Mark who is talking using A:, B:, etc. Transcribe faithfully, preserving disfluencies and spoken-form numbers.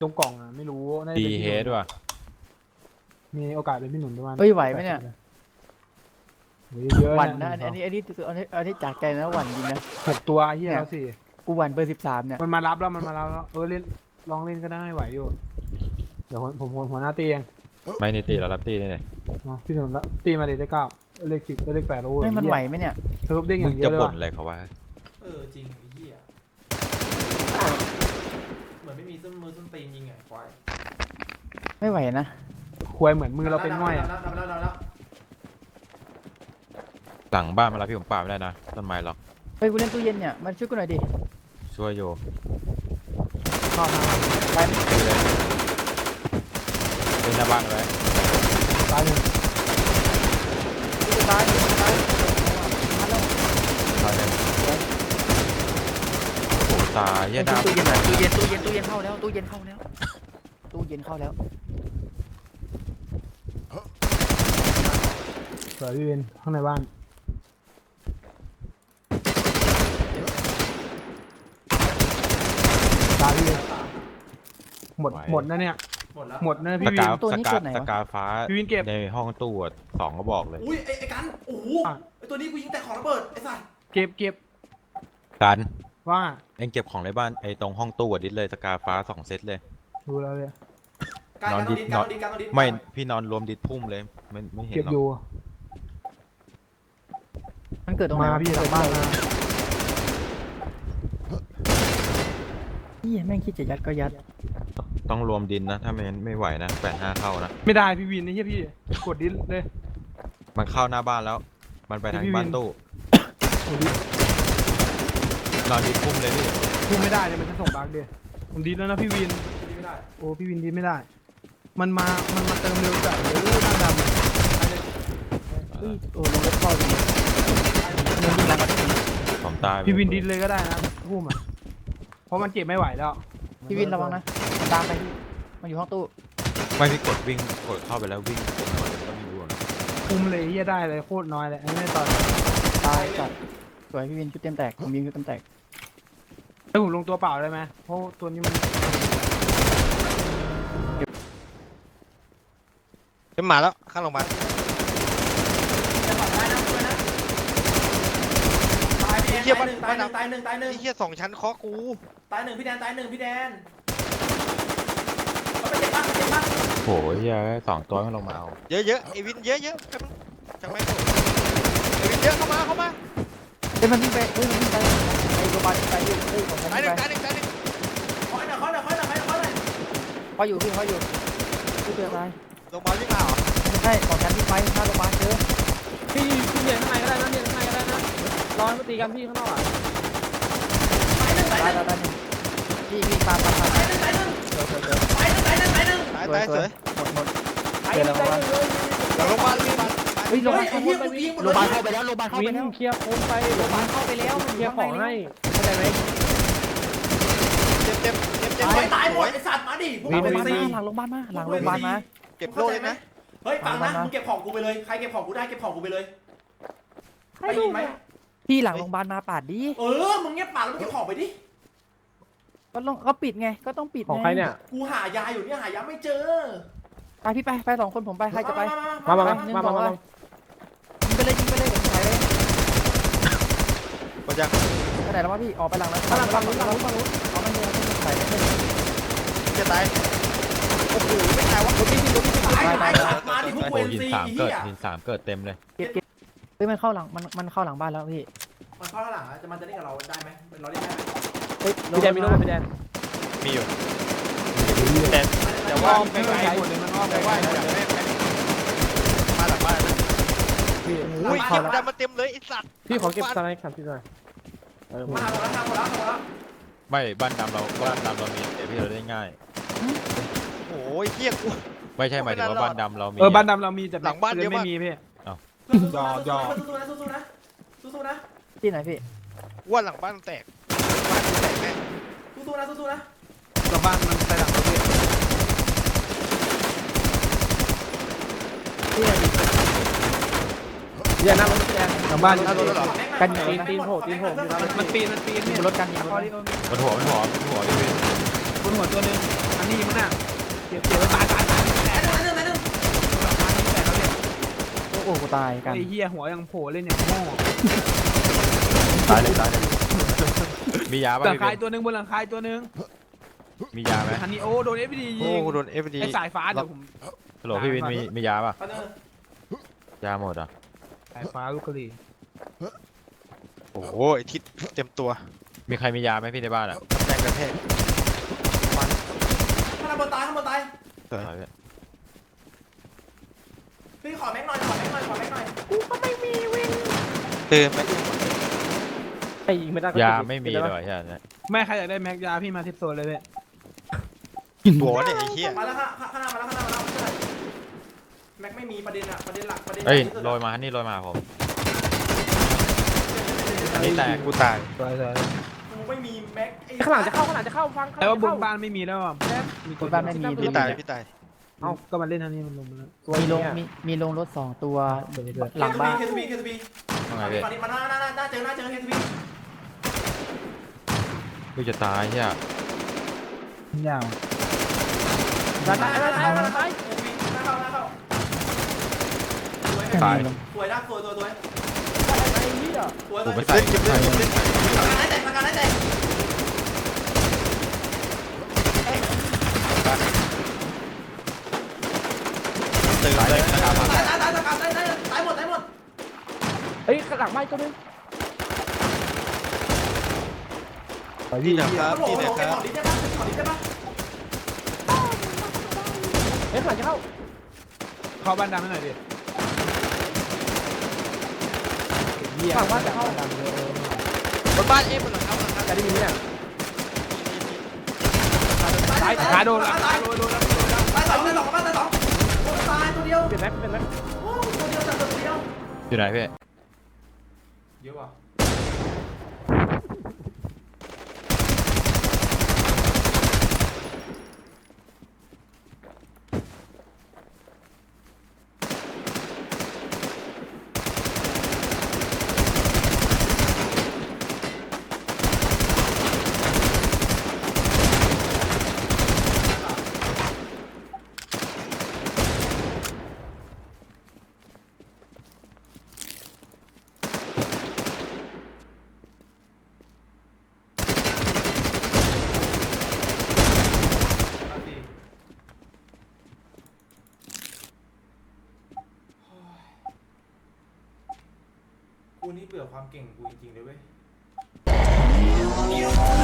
A: ตรงกล่องอ่ะไม่รู้น่าจะ
B: ดี
A: เป็น
B: เฮ
A: พี่หนุน
B: ดว่ะ
A: มีโอกาสเป็นพี่หนุนประมาณ
C: เฮ้ยไหวไหมเนี่ย
A: เยอะ
C: หวั
A: ๆ
C: นนะอันนี้อันนี้อันนี้อันนี้อันนี้จากใจนะหวั่นจริงนะ
A: หกตัวเฮียแล้วสิ
C: กูหวั่นเบอร์สิบสามเนี่ย
A: มันมารับแล้วมันมารับแล้วเออเล่นลองเล่นก็ได้ไหวอยู่เดี๋ยวผมผมหัวหน้าตีเอง
B: ไม่นิติเรารับตีนี่เลย
A: มาพี่หนุนละตีมาเลยได้เก้าเลขสิบเลขแปดโอ้ย
C: ไม่มันไหวไหมเนี่ย
A: เซิร์ฟเด้งอ
B: มึ
A: ย่าง งเดีย
B: จะ
A: วเลย
B: บ่น
A: ว่ะ
B: อะไรเขาว่า
D: เออจริงไอ้เหี้ยเหมือนไม่มีส้นมือส้นตีนยิงไงควาย
C: ไม่ไหวนะ
A: ควยเหมือนมือเราเป็นง่อยอ่ะ
D: แล้วแล้วแล้วแล้ว
B: หลังบ้านมารับพี่ผมป่าไม่ได้นะต้นไม้ล็อก
C: เฮ้ยกูเล่นตู้เย็นเนี่ยมันช่วยกูหน่อยดิ
B: ช่วยโย
A: เข้ามา
C: ไป
B: เล่นหน้าบ้านไว้
A: ตายหนึ่ง
C: กูจะตายกูจะตายมาแล้ว
B: ตายเลยโอ้โหตายเหี้ยดาว
C: ตู้เย็นตู้เย็นตู้เย็นตู้เย็นเข้าแล้วตู้เย็นเข้าแล้วตู้เย็นเข้าแล้ว
A: สวยพี่เวนข้างในบ้านตายพี่เวนหมดหมดนะเนี่ย
D: หมดแล้ว
A: หมดนะ
B: ส
A: พี่วิ
B: กาน สกาสกาฟ้า
A: พี่วินเก็บ
B: ในห้องตู้อะสองก็บอกเลย
D: อุ้ยไอ้ไอ้กันโอ้โห
A: อ่ะ
D: ไอ้ตัวนี้กูยิงแต่ของระเบิดไอ้สัส
A: เก็บเก็บ
B: กัน
A: ว่า
B: เอ็งเก็บของในบ้านไอ้ตรงห้องตู้อะดิสเลยสกาฟ้าสองเซตเลย
A: ดูแล้วเลย
D: การ
B: นอน
D: การ
B: ดิ
D: ต้อง
B: น
D: ดิน
B: น
D: กา
B: อ
D: ร
B: น
D: ต้องดินการต้องดิน
B: ไม่พี่นอนรวมดิสพุ่มเลยไม่ไม่เห็น
A: เก็บ
B: หรอก
A: อยู่
C: มันเกิดตรงไหน
A: มาพี่หลังบ้านมา
C: นี่แม่งคิดจะยัดก็ยัด
B: ต้องรวมดินนะถ้าไม่งั้นไม่ไหวนะแปดห้าเข้านะ
A: ไม่ได้พี่วินนี่เฮียพี่กดดิสเลย
B: มันเข้าหน้าบ้านแล้ว มันไปทาง
A: พี่วิน
B: บ้านตู้
A: กดดิส
B: นอนดิสพุ่มเลยพี่
A: พูดไม่ได้เลยมันจะส่งบั๊กเดียผมดิสแล้วนะพี่วิน
D: ดินไม่ได้
A: โอ้พี่วินดิสไม่ได้ มันมามันมาเติมเร็วจัดเลยด้านดำ
C: เฮ้ยโอ้ลงรถเข้าดิเงินยิงหลังก็ได้
B: ผมตาย
A: พี่วินดิสเลยก็ได้นะพูดมาเพราะมันเก็บไม่ไหวแล้ว
C: พี่วินระวังนะตามไปพี่มันอยู่ห้องตู้
B: ไม่พี่กดวิ่งกดเข้าไปแล้ววิ่งกดหน่อยก็ไม่รู้อะ
A: คุมเลยเฮียได้เลยโคตรน้อยเลยไอ้นี่ตอน
C: ตายจัดสวยพี่วินชุดเต็มแตกผมยิงชุดเต็มแตก
A: แล้วผมลงตัวเปล่าได้ไหมเพราะตัวนี้มัน
E: ขึ้นมาแล้วข้างโรงพยาบาล
D: จะขอได้นะช่วยนะตายพี่แดนตายหนึ่งตายหนึ่งตายหนึ่งตายหนึ่ง
E: ไอ้เหี้ยสองชั้นเคาะกู
D: ตายหนึ่งพี่แดนตายหนึ่งพี่แดนเอาไปเจ็บมากเจ็บมาก
B: โหเฮียสองตัวไม่ลงมาเอา
E: เยอะๆไอ้วินเยอะๆกันจังไม่ถูกไอ้วินเยอะเข้ามาเข้ามา
C: เฮ้ยมันวิ่งไปเฮ้ยมันวิ่งไปไอ้โรบาไปอยู่เฮ้ยของฉัน
E: ตายห
C: วิ่
E: นึ่
C: ง
E: ง
C: ไป
E: ตายหนึ่งตายหนึ่ง
D: คอยหน่อยคอยหน่อยคอยหน่อยคอยหน่อย
C: เขาอยู่พี่เขาอยู่พี่เจออะไร
E: โรงพยาบาลวิ่งมาเหรอ
C: ไม่ใช่ของฉันวิ่งไปหน้าโรงพยาบาลเจอ
F: พี่พี่เรียนข้างในก็ได้นะเรียนข้างในก็ได้นะรอให้มาตีกันพี่ข้างนอกอ่ะ
D: ตายหนึ่งตายห
C: ตาย
D: นึ่ง
C: ตายตายพี่พี่ตามตามตาม
D: ตายหนึ่งตายหนึ่ง
C: เจอเจอเจอ
D: ตายหนึ่งตายหนึ่งตายหนึ่ง
E: ตาย
C: สว
E: ตาย ย
C: ส
E: ส
C: ว
E: วย ย
C: หมดหมด
F: ไอ้
C: เจอแล้ว
F: ใจ
C: วะ
F: เลย
E: หลังโรงพยาบาลวิ่งมา
C: เฮ้ยโรงพ
D: เฮ้
C: ยาย บาล
D: ไอ้เหี้ยกูยิงหมด
C: โรงพยาบาล
D: เล
C: เข้าย ไปแล้วโรงพยาบาลเข้าไป
F: วิ่ง
C: แล้ว
F: เคลียร์โค้งไป
C: โรงพยาบาลเข้าไปแล้วมัน
F: เคลียร์ของให้เข้าใจไหม
E: เจ็บเจ็บเจ็บเจ็บ
D: ตาย
E: เจ็บ
D: ตายห
E: ส
D: ม
E: ว
D: ด
E: ย
D: ไอ้สัตว์มาดิพวก
C: หลั
D: มึ
C: ง
D: ง
C: โรงพ
D: เป็น
C: ยาบาล
D: ซี
C: มาหลังโรงพยาบาลมาหลังโรงพยาบาลมา
E: เก็บโล่เลยนะ
D: เฮ้ยฟังนะ
C: ฟังนะ
D: มึงเก็บของกูไปเลยใครเก็บของกูได้เก็บของกูไปเลย
F: ให้
D: ได้
F: ดู
D: ยินไหม
C: พี่หลังโรงพยาบาลมาปาดดิ
D: เออมึงเงียบปากแล้วมึงเก็บของไปดิ
C: ก็ต้องก็ปิดไงก็ต้องปิด
F: ของใครเนี่ย
D: กูหายาอยู่เนี่ยหายาไม่เจอ
C: ไปพี่ไปไปสองคนผมไปใครจะไป
F: มามามา
C: หนึ่ง
F: มา
C: ส
F: มา
C: อง
F: มา
C: ยิงไปเลยยิงไปเลยเดี๋ยวผมถ่ายเลย
E: กดยัง
C: ไปไหนแล้ววะพี่ออกไปหลังแล้ว
F: มาฝั่งนู้นฝั่งนู้นฝั่งนู้น
C: เอามันเลยถ่ายไม่ได้
E: จะตายโอ้โหไม่ตายวะ
F: พี่พี่พี่
D: ตายตายมาดิพวก
B: โอ้
D: เวน
B: หิน
D: ซี
B: สาม
D: ไอ้
B: เกิ
D: เหี้
B: ด
D: ย
B: หินสามเกิดเต็มเลย
C: เก็บเก็บเฮ้ยมันเข้าหลังมันมันเข้าหลังบ้านแล้วพี่
D: มันเข้าข้างหลังอะจะมันจะเล่นกับเราได้ไหมเราเล่นได้ไหม
C: เฮ้ย
F: พี่แดนมีโน้ตพี่แดน
E: มีอยู่แต่แต่ว่า
A: ไม่
E: ไม่
A: ไก
E: ไก
A: ล
E: ล
A: หมดเลยมันอ้อมไป
E: แต่ว่าอยากได้มาหลังบ้านนะ
A: พี่
E: อุ้ยเก็บได้มาเต็มเลยไอ้สัตว์
F: พี่ขอเก็บสไลด์ครับพี่หน่อยเออ
D: มาหมดแล้วมาหมดแล้วหมดแล้ว
B: ไม่บ้านดำเราบ้านดำเรามีแต่พี่เราได้ง่าย
E: โอ้ยเหี้ยกู
B: ไม่ใช่หมายถึงว่าบ้านดำเรามี
A: เออบ้านดำเรามีแต่
E: หลังบ้านเยอะมาก
A: ไม่มีพี่
D: ยอยอสู้ๆนะสู้ๆนะสู้ๆนะ
C: ที่ไหนพี่
E: ว่าหลังบ้านแตกบ้านแตกแน่
D: สู้ๆนะสู้ๆนะ
A: เราบ้านมันไปหลังเราพี่
C: ที่ไหนพี่
F: พี่แดนนั่งรถพี่แดน
A: หลังบ้าน
E: เอาตัวแล้วเหรอ
C: กันอ
F: ตีนตีนโผล่ตีนโผล่พี่ครับ
A: มันปีนมันปีน
C: ยิง
A: พี่
C: บนรถกันยิงบนรถ
B: มันหัวมันหัวมันหัวพี่เว้ย
A: บนหัวตัวนึงอันนี้ยังไม่มันน่ะเก็บเก็บไว้ตายตายตาย
D: แม่หนึ่งแม่หนึ่งแม่หนึ่ง
C: โอ้โหกูตายกัน
A: ไอ้เหี้ยหัวยังโผล่เล่นอย่างโง่
B: ตายเลยตายเลยมียา
A: ห
B: ป่ะ
A: ลัง
B: พี่
A: คา
B: เบน
A: ตัวหนึ่งบนหลังคาตัวหนึ่ง
B: มียาไหม
A: ฮันนี่โอ้โดนเอฟดียิ
B: โอ้
A: ง
B: โดนเอฟดี
A: ไอ้สายฟ้าเดี๋ยวผม
B: ฮัลโหลพี่วินมีมียาป่ะ
D: แม่หนึ่ง
B: ยาหมดอ่ะ
A: สายฟ้าลูกกะหรี่
E: โอ้โหไอทิศเต็มตัว
B: มีใครมียาไหมพี่ในบ้านอ่ะ
E: แรงกระแทก
D: ข้างบนตายข้างบนตาย
E: สวย
B: เอาเลย
D: พี่ขอแม็กหน่อยขอแม็กหน่อยขอแม็กหน่อย
E: เติมไป
C: ไอ้ยิงไม่ได้ก็
B: ยา
C: เก็บ
B: ไม่มี
C: เก็บ
B: เล
C: ได้ปะ
B: ยใช่ไหม
A: แม่ใครอยากได้แม็กยาพี่มาทิปโซนเลยเว้ย
E: ตัวเนี่ยไอ้เหี้ย
D: มาแล้วข้างข้างหน้ามาแล้วข้างหน้ามาแล้วแม็กไม่มีประเด็นอะประเด็นหลักประเด็น
B: เอ้ย
D: ที่สุด
B: โรยมาฮันนี่โรยมาผมอันนี้แตก
E: กูตาย
A: สวยสวย
D: กูไม่มีแม็กไอ้
F: ข้างหลังจะเข้าข้างหลังจะเข้าฟัง
A: แต่ว่าบน
F: เข้า
A: บ้านไม่มีแล้วอ่ะมี
C: บนบ้านไม่มี
E: พี่ตายพี่ตาย
A: เอ้าก็มาเล่นทันนี้มันลงมาแล้ว
C: มีลงมีมีลงรถสองตัว
A: เดี๋ยวเดี๋ยว
C: หลังบ้าน
D: เคทูบีเคทูบี
B: ว่าไง
D: ฝั่ง
B: พี่
D: นี้มาหน้าหน้าหน้าเจอหน้าเจอเคทูบี
B: กูจะตายเฮีย
A: ยาว
F: ตายตายตายตายตาย
D: เคทูบีหน้าเข้าหน้าเข้าสวย
B: ตาย
D: สวยนะสวยสวยสวย
F: ไอ้เหี้ย
D: สวย
B: กู
D: สวย
B: ไม่ใส่
E: เก็บเล่นเก็บเล่น
D: ประกันให้แตกประกันให้แตก
E: เติมเลยนะครับ
D: ตายตายตายตายตายตายตายหมดตายหมด
F: เฮ้ยข้างหลังไม่ตัวนึง
E: ที่ไหนครับ
D: โอ้โห
E: ที่ไหน
D: โอ้โห
E: ครั
D: ขอบ ดิได้ปะขอดิได้ปะ
F: เฮ้ยข้างหลังจะเข้า
A: เข้าบ้านดำให้หน่อยดิเหี้ย
F: ฝั่งบ้านจะเข้า
A: ดำเลย
E: บนบ้านเอ๊ะบนหลังเขาหลังเขา
F: จะได้ยินไหมเนี่ย
A: ตายขาโดนละขาโดนโดนแล้วโดนแล้ว
D: ตายสองตายสองบ้านตายสองโอ้ตายตัวเดียว
F: เปลี่ยนแม็กเปลี่ยนแม็ก
D: โอ้ตัวเดียวจับตัวเดียว
B: อยู่ไหนพี่
D: เยอะว่ะ กูนี่เบื่อความเก่งกูจริงๆเลยเว้ย